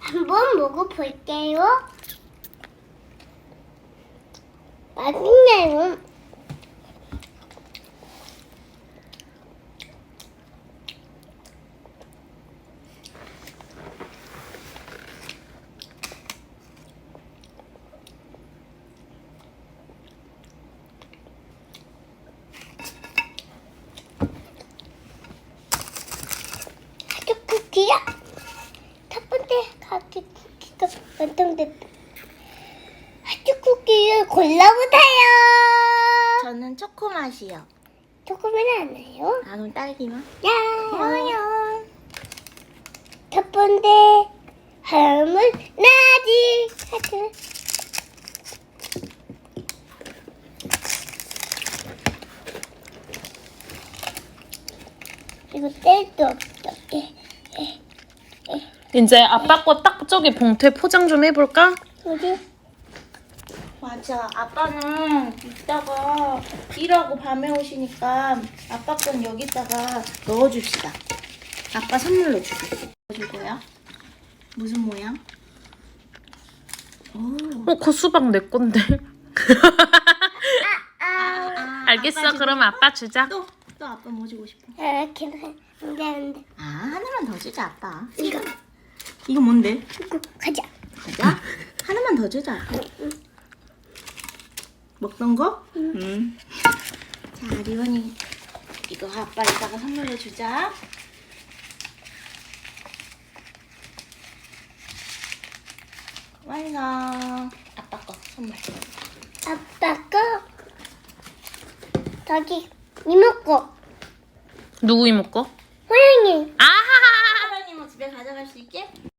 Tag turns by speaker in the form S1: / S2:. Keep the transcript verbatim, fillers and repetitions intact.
S1: 한번 먹어볼게요. 맛있네요. 학교 쿠키야. 첫 번째 학교 쿠키가 완성됐다. 학교 쿠키를 골라보세요.
S2: 저는 초코 맛이요.
S1: 조금은 안 해요.
S2: 아, 그럼 딸기만?
S1: 야요. 첫 번째 하면 나지. 하트. 이거 뗄도 없어. 예, 예, 예.
S3: 이제 아빠 거 딱 저기 봉투에 포장 좀 해볼까?
S1: 어디?
S2: 맞아. 아빠는 이따가 일하고 밤에 오시니까 아빠 건 여기다가 넣어줍시다. 아빠 선물로 줄게. 줄 거야? 무슨 모양? 오.
S3: 어, 그 수박 내 건데.
S2: 아, 아,
S3: 알겠어.
S2: 아빠
S3: 그럼 아빠 주자.
S2: 또, 또 아빠 뭐 주고 싶어?
S1: 이렇게 안돼 안돼.
S2: 아, 하나만 더 주자, 아빠.
S1: 이거
S2: 이거 뭔데?
S1: 이거 가자.
S2: 가자. 하나만 더 주자. 먹던 거? 응. 자, 리원이 이거 아빠 이따가 선물로 주자. 완성. 아빠 거 선물.
S1: 아빠 거 저기 이모 거
S3: 누구 이모 거?
S1: 호영이.
S3: 아하하.
S2: 하나님은 집에 가져갈 수 있게?